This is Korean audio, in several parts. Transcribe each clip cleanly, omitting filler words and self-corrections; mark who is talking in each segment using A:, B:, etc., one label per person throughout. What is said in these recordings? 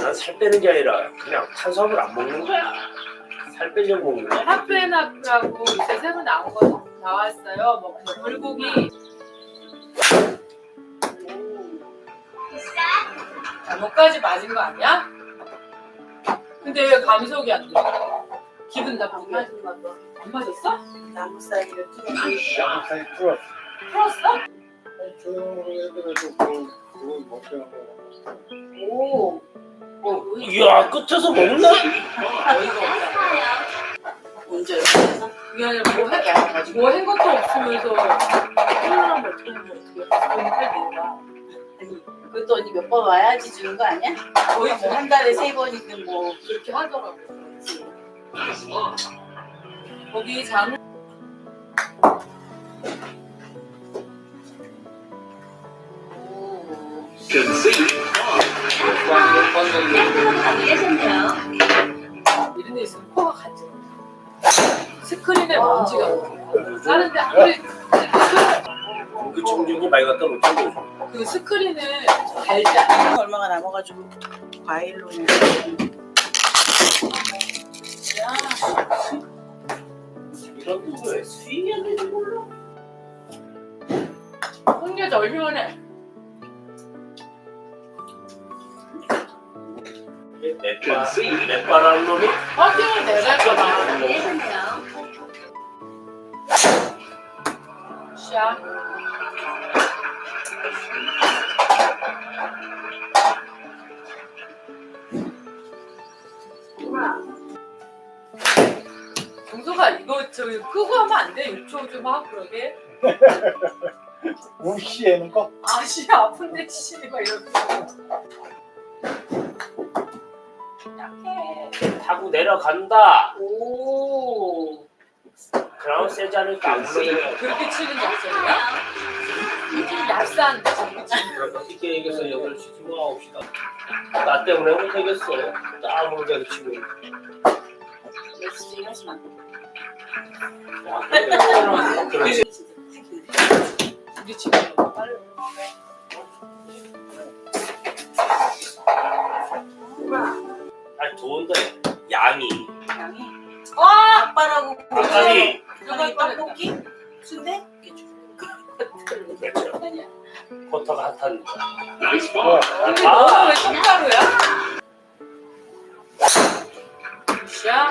A: 난 살 빼는 게 아니라 그냥 탄수화물 안 먹는 거야. 살 빼려고 먹는 거야.
B: 하프앤하프라고 요새 새로 나왔어요. 뭐 불고기. 잘못까지 맞은 거 아니야? 근데 왜 감속이 안 돼? 기분 나쁘게.
C: 맞은 거 봐.
B: 안 맞았어?
C: 나무 사이를 뚫어.
D: 양사이 풀었어.
B: 풀었어?
D: 조용히 해도 그걸 못 배운 거.
C: 오.
A: 이야 끝에서 먹나?
B: 어이가 없다.
C: 언제 이렇게
B: 그게 아니라 뭐한 것도 없으면서 콜라랑 뭐 어떻게 하면 어떻게 팔 되나?
C: 그것도 언니 몇 번 와야지 주는 거 아니야?
B: 거의
C: 뭐 한 달에 3번이든 뭐.
B: 그렇게 하더라고. 거기 장
C: 오.
B: 이런 데 있으면 코가 간지러. 스크린에 먼지가 다른데 아무리
A: 그 청진기 많이 갖다 놓자고.
B: 그 스크린을 달지 않아.
C: 얼마가 남아가지고 과일로는.
A: 이런 거왜 수익이 안 되는 몰라?
B: 홍려자 얼마나 해?
A: 맷바라는 놈이
B: 확인을 내갈 거다. 샤. 정소가 이거 저기 끄고 하면 안 돼? 6초 좀 하고 그러게.
D: 무시하는 거?
B: 아씨 아픈데 씨 막 이러고. 약해.
A: 타고 내려간다.
C: 오.
A: 그럼 세지 않을까 안 물러내요.
B: 그렇게 치는 작전이야? 좀 얍싼데.
A: 그러니까 쉽게 얘기해서 8시 지금 9시다. 나 때문에 못 되겠어. 땀으로 내가 치고 있는.
C: 역시 하지 마.
A: 그래.
B: 우리 지금 빨리.
A: 아니 좋은데 양이.
C: 양이.
B: 아!
C: 아빠라고.
A: 아니
C: 저기 떡볶이? 순대?
A: 그렇죠. 버터가 핫한.
B: 근데 너는 왜 떡가루야? 샤.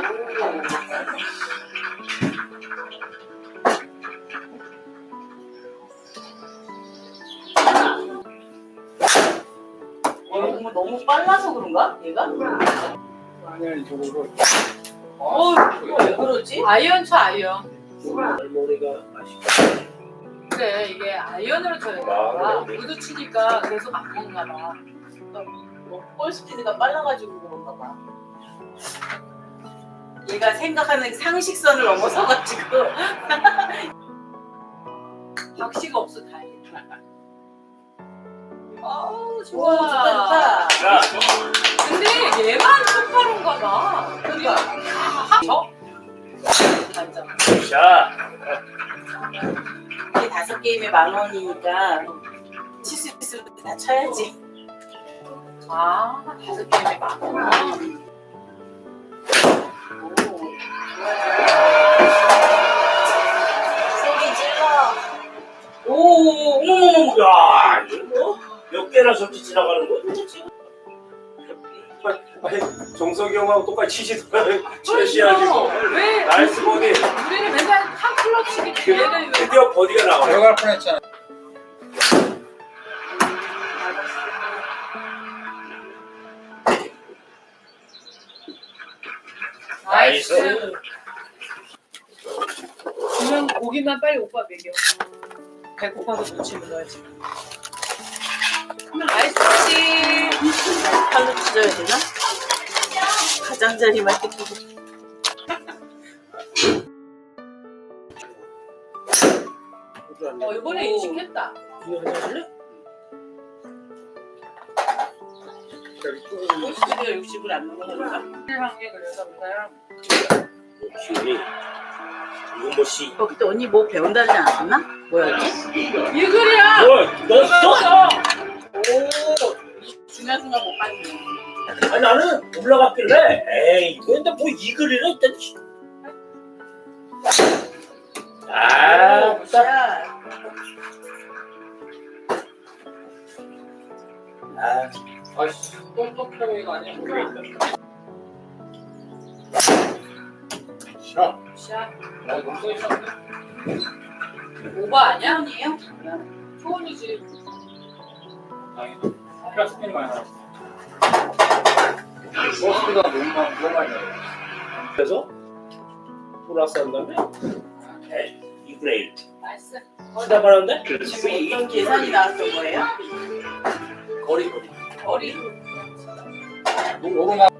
C: 너무 빨라서 그런가? 얘가?
D: 아니야 저거를
C: 이거 왜 그러지?
B: 아이언 쳐 아이언.
A: 할머니가 맛있다.
B: 그래 이게 아이언으로 쳐야 되나 봐. 무드 치니까 계속 안 먹나 봐.
C: 볼 스피드가 빨라가지고 그런가 봐. 얘가 생각하는 상식선을 넘어서가지고.
B: 박씨가 없어 다행이다.
C: 아우
B: 우와.
C: 좋다 좋다.
A: 야,
B: 근데 얘만 똑바로인가 봐.
C: 그러니까
B: 저? 맞아.
A: 자,
C: 이게 5게임에 10,000원이니까 칠 수 있으면 다 쳐야지.
B: 아 5게임에 만 원.
C: 소리 질러. 오, 어머머머.
A: 야, 이거 뭐? 몇 개나 저렇게 지나가는 거야? 아니, 정석이 형하고 똑같이 치시더라. 최시하시고.
B: 왜?
A: 나이스 버디.
B: 우리는 맨날 한 클럽씩이 얘를 왜?
A: 드디어 버디가 나와.
D: 들어갈 뻔했잖아.
B: 나이스. 그러면 고기만 빨리 오빠 먹여. 배고파서 놓치는 거야 지금. 나이스 치.
C: 팔로 찢어야 되나? 가장자리만 뜯고.
B: 이번에 인식했다.
A: 이거 하나 할래?
C: 스피드가 60을 안 넘어가니까.
B: 한게 그래서 그냥
A: 기운이. 이건 뭐 씨.
C: 그때 언니 뭐 배운다지 않았나? 뭐였지?
B: 이 글이야.
A: 뭘 넣었어?
C: 오, 지난 순간 못 봤네.
A: 아니 나는 올라갔길래 에이 근데 뭐 이 글이라 일단 아 딱.
C: 야,
A: 아
B: 아이씨, 똥똥똥이가 아니야.
D: 샷.
B: 샷. 목소리 샷인데. 오버 아니야?
C: 아니에요?
B: 초원이지.
E: 다행이다. 플라스틱 많이 나왔어. 버스가 너무 많이 나와.
A: 그래서 플러스 한 다음에 2분의 1
B: 나이스.
A: 시작하는데
C: 지금 어떤 계산이 나왔던 거예요?
E: 거리.
C: 거리?
E: 너무 많아.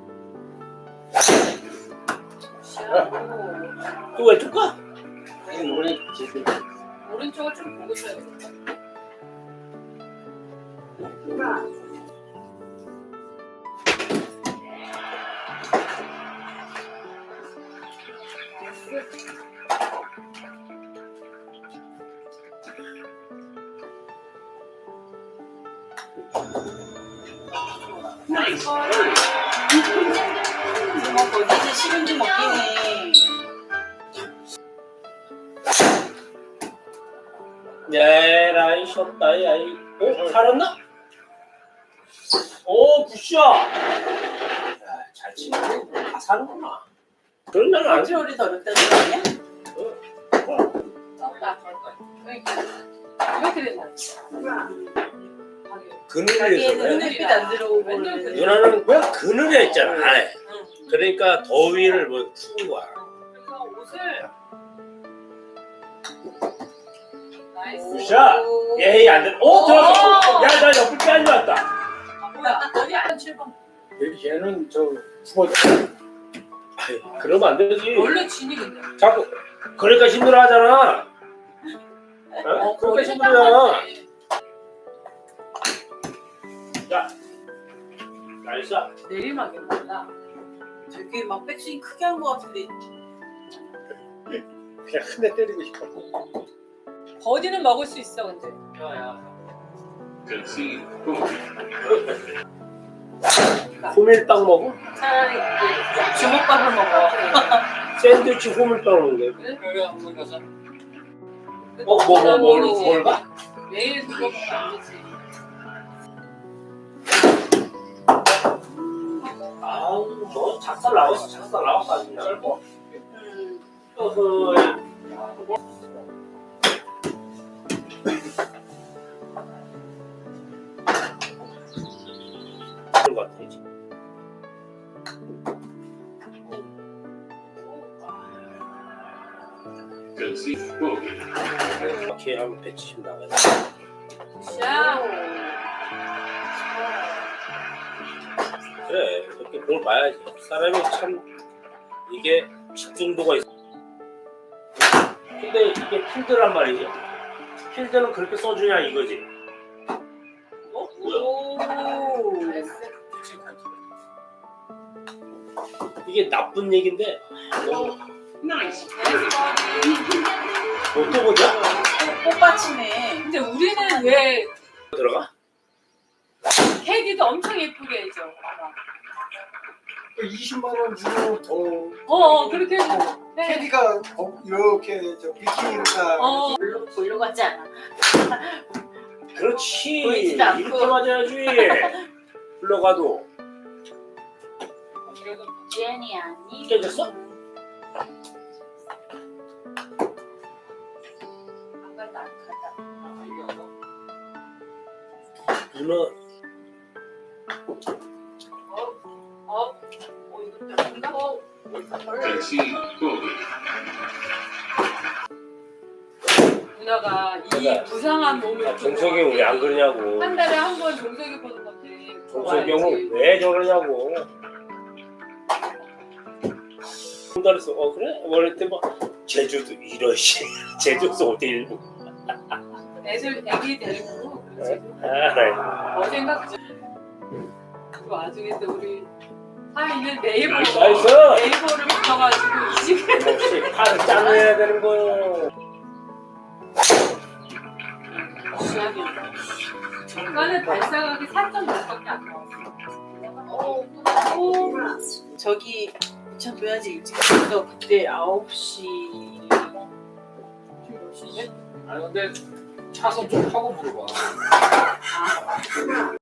B: 샷.
A: 또 왼쪽 가?
E: 이번에 지금
B: 오른쪽을 좀 보고 써야겠다.
C: 뭐 거기서 식은지 먹기네.
A: 에라이 쉬었다 야이 살았나? 오 굿샷 잘 치네 다 사는구나 그런 날은 안 돼.
C: 컨트롤이 더럽다는 거 아니야?
B: 나온다. 그러니까 이렇게 된다.
A: 그늘에서
C: 자기애는
A: 그래.
C: 햇빛 안 들어오고
B: 맨날 그래.
A: 누나는 왜 그늘에 있잖아 안에
C: 응.
A: 그러니까 더위를 뭐 푸는 거야
B: 그래서 옷을 나이스.
A: 굿샷 예이 안돼 오 들어갔어 야나 옆을 빼앗는 것 같다
B: 아, 뭐야? 어디 안 7번.
D: 얘는 저 죽어.
A: 아유, 그러면 안 되지
B: 원래 진이 근데.
A: 자꾸 그러니까 힘들어 하잖아 어? 그러니까
B: 거기
A: 힘들어
B: 생각하지.
A: 야 나이스
B: 내리막이 몰라.
C: 되게 막 백스윙 크게 한 거 같은데.
D: 그냥 한 대 때리고 싶어.
B: 버디는 먹을 수 있어 근데.
E: 야야.
A: 호밀빵 먹어?
C: 차라리 이제 주먹밥을 먹어.
A: 샌드위치 호밀빵 먹는데
E: 여기 한번 가자.
A: 뭘 봐?
B: 매일 그거 먹으면 안 되지.
A: 아우 너 작살 나왔어 아주 짧고 어허 그런 것 같아 이제 이렇게 하면 170 나가야 돼
B: 샷.
A: 그래 이렇게 공을 봐야지 사람이 참 이게 집중도가 있어 근데 이게 필드란 말이지 필드는 그렇게 써주냐 이거지 어? 뭐야?
C: 오.
B: 나이스.
A: 이게 나쁜 얘긴데 너
B: 나이스 버디.
A: 또 보자?
C: 꽃받치네.
B: 근데 우리는 왜
A: 들어가?
B: 캐디도 엄청 예쁘게 해줘.
D: 20만 원 주고 더
B: 그렇게 해줘. 네.
D: 캐디가 이렇게 저 비키니가
C: 볼로 같지 않아.
A: 그렇지
C: 보이지도 않고.
A: 이렇게 맞아야지 불러가도
C: 제니 아니.
A: 깨졌어?
C: 안 간다 안 간다.
A: 누나
B: 이거 뭔가 누나가 이 부상한 몸을
A: 정석이 왜 안 그러냐고
B: 한 달에 한 번 정석이 보는 건데
A: 정석이 형은 왜 저러냐고 그랬어 그래? 원래 뭐 제주도 이런 씨 제주도 어디 일부
B: 애기 데리고 그렇지.
A: 네.
B: 어젠가 그 와중에 또 우리 하이는 네이버
A: 나이스
B: 네이버를 붙여가지고 이 집에
A: 역시 팔을 짜내야 되는 거요
B: 중간에 발사각이 4.6밖에 안 나왔어.
C: 저기 참 줘야지 일찍 가서 그때 9시
E: 아니 근데 차선 좀 하고 물어봐.